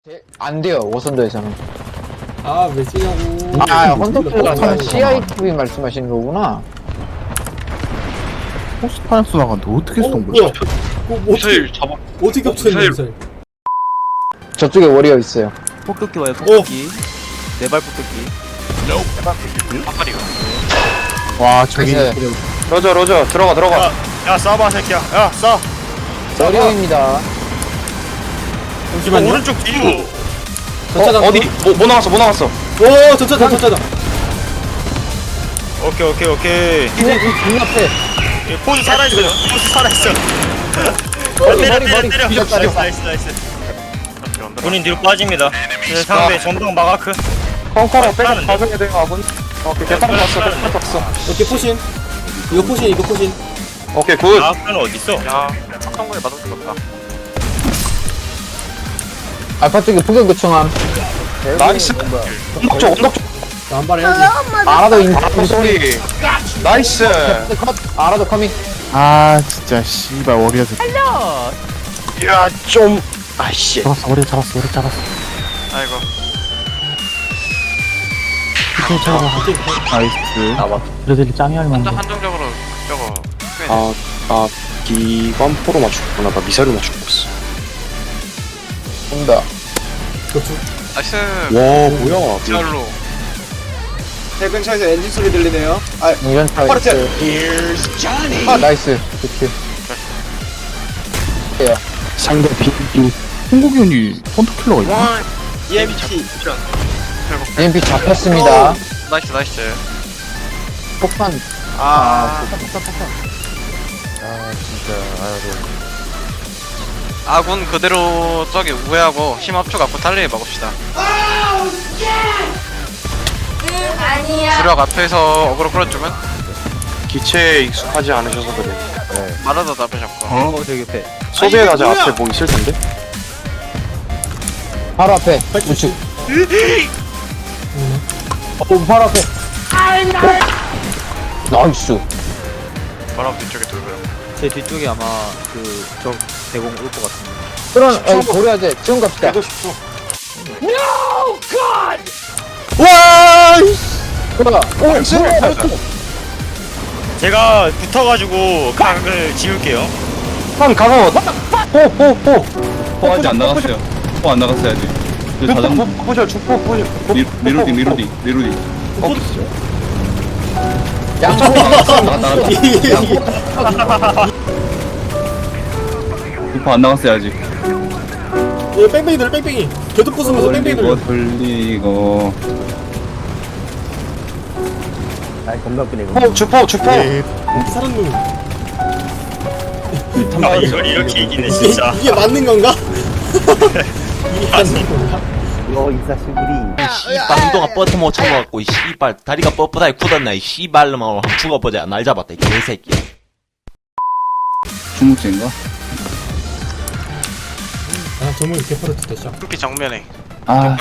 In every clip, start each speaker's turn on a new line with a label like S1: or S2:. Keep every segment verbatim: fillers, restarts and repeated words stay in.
S1: 제- 안 돼요, 오선도에서는.
S2: 아, 왜 쓰냐고.
S1: 아, 헌터킬러가 아니라
S2: 어,
S1: 씨아이티비 말씀하시는 거구나.
S3: 포스파이어스 나갔는데 어떻게
S2: 어,
S3: 쏜
S2: 뭐야?
S3: 거야?
S2: 어, 뭐 어떻게,
S4: 미사일 잡아.
S2: 어떻게 겹쳐있는
S4: 미사일.
S2: 미사일?
S1: 저쪽에 워리어 있어요.
S5: 폭격기 와요 폭격기 네발 폭격기
S4: 아파리가.
S3: 와 저기
S1: 네.
S4: 로저 로저 들어가 들어가. 야, 야 쏴봐 새끼야. 야 쏴.
S1: 워리어입니다.
S2: 잠시만요.
S4: 오른쪽 뒤로.
S2: 전차장.
S4: 어디? 뭐, 뭐 나왔어? 뭐 나왔어?
S2: 오, 전차장, 전차장.
S4: 오케이 오케이 오케이.
S1: 그냥 이 앞에.
S4: 포즈 살아있어요. 포즈 살아있어.
S1: 머리,
S4: 때려
S1: 머리,
S4: 때려
S1: 머리.
S4: 때려.
S1: 뒤졌다,
S4: 나이스
S1: 뒤졌다.
S4: 나이스 나이스. 본인 뒤로 빠집니다. 네, 상대 전방 마가크.
S6: 펑커랑 백업
S4: 하는데?
S6: 가져야 돼요, 아군. 오케이, 대탄 왔어, 대탄 왔어.
S2: 오케이, 포신. 이거 포신, 이거 포신.
S6: 오케이, 굿.
S4: 마가크는 어디 있어? 야, 성공에 맞을 수 없다.
S1: 알파 쪽에 폭격 요청함.
S6: 나이스. 언덕 쪽, 언덕 쪽.
S2: 남발해야지.
S1: 알아도 인,
S6: 아, 소리. 나이스.
S1: 컷. 알아도 커밍.
S3: 아 진짜 씨발 워리어 새끼.
S6: 야, 좀. 아이씨.
S3: 잡았어 워리어 잡았어 워리어 잡았어.
S4: 아이고.
S3: 이렇게 잡아. 나이스. 그래도 짱이 할 만한데.
S4: 한정적으로 저거.
S6: 아, 아, 기관포로 맞췄구나. 나 미사일로 맞추고 있어.
S1: 온다.
S2: 도축.
S4: 나이스.
S6: 와, 뭐야.
S4: 디알로.
S7: 제 근처에서 엔진 소리 들리네요. 아,
S1: 인전차
S7: 파르트.
S1: 있어요. 아, 나이스. 좋지. 예.
S3: 상대 비비. 홍국이온이 헌터킬러가 있나?
S4: 와.
S7: 이엠피.
S1: 이엠피 잡혔습니다.
S4: 나이스 나이스.
S1: 폭탄.
S4: 아. 아군 그대로 저기 우회하고 힘 합쳐갖고 달리기 막읍시다. 주력 앞에서 어그로 끌어주면
S6: 기체에 익숙하지 않으셔서 그래.
S4: 말하다 답을 잡고.
S5: 어 저기 옆에
S6: 소비에 가자 앞에 뭐 있을 텐데?
S1: 바로 앞에. 우측. 어, 바로 앞에. 나이스.
S4: 바로 뒤쪽에 돌고요.
S5: 제 뒤쪽에 아마 그 적 대공 올 것 같은데
S1: 그런, 어, 고려하제. 지금 갑시다.
S6: 이거 싶어.
S1: 와! 그러다. 오, 뭐야?
S4: 제가 붙어가지고 각을 지울게요.
S6: 한 가서. 호, 호, 호.
S8: 포 아직 안 나갔어요. 포 안 나갔어요 아직. 그 자전
S6: 포절, 주포, 포절.
S8: 리, 리로딩 리로딩 리로딩.
S1: 양쪽.
S8: 나갔다 나갔다. 포 안 나갔어요 아직.
S2: 예, 뺑뺑이 들 뺑뺑이. 계속 부수면서 뺑뺑이
S8: 돌리고
S2: 들
S8: 돌리고.
S6: 포, 주포, 주포.
S2: 사람 놈.
S4: 아 이걸 이렇게 이기네
S2: 이게,
S4: 진짜.
S2: 이게 맞는 건가? 이게 맞는 건가?
S9: 씨발 운동화 뻗어 못 쳐갖고 이 씨발 다리가 뻣뻣하게 굳었나 이 씨발놈아 한번 죽어보자 날 잡았다 이 개새끼야.
S8: 중국제인가?
S2: 아, 정말 이렇게 파르트 됐죠.
S4: 특히 정면에.
S8: 아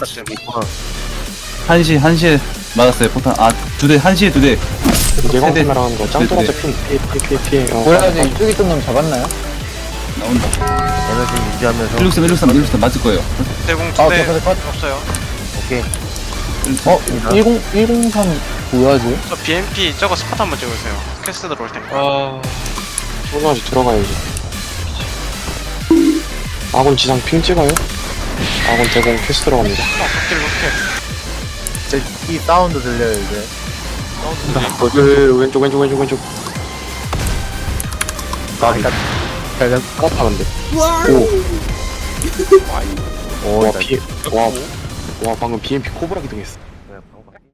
S8: 한시 한시에 맞았어요 포탄. 아 두 대 한시에 두 대.
S6: 예광
S8: 세대.
S6: 날아가는 거. 짱돌아 잡힌. 피해, 피해, 피해, 피해. 어.
S1: 고려하제 이쪽에 있던 놈 잡았나요?
S8: 나온다. 일육삼 일육삼 일육삼 맞을 거예요.
S4: 대공
S1: 아,
S4: 두대
S1: 저, 저, 저,
S4: 없어요.
S1: 어? 일공, 일공삼 고려하제?
S4: 저 비엠피 저거 스팟 한번 찍으세요. 퀘스트 들어올 테니까.
S6: 아. 소나지 들어가야지. 아군 지상 핑 찍어요? 아군 대공 퀘스 들어갑니다.
S4: 킬 로켓.
S3: 이 사운드 들려요 이제.
S6: 그 왼쪽 왼쪽 왼쪽 왼쪽. 나비. 깜빡한데. 오. 와 피. 와. 와 방금 비엠피 코브라 기동했어.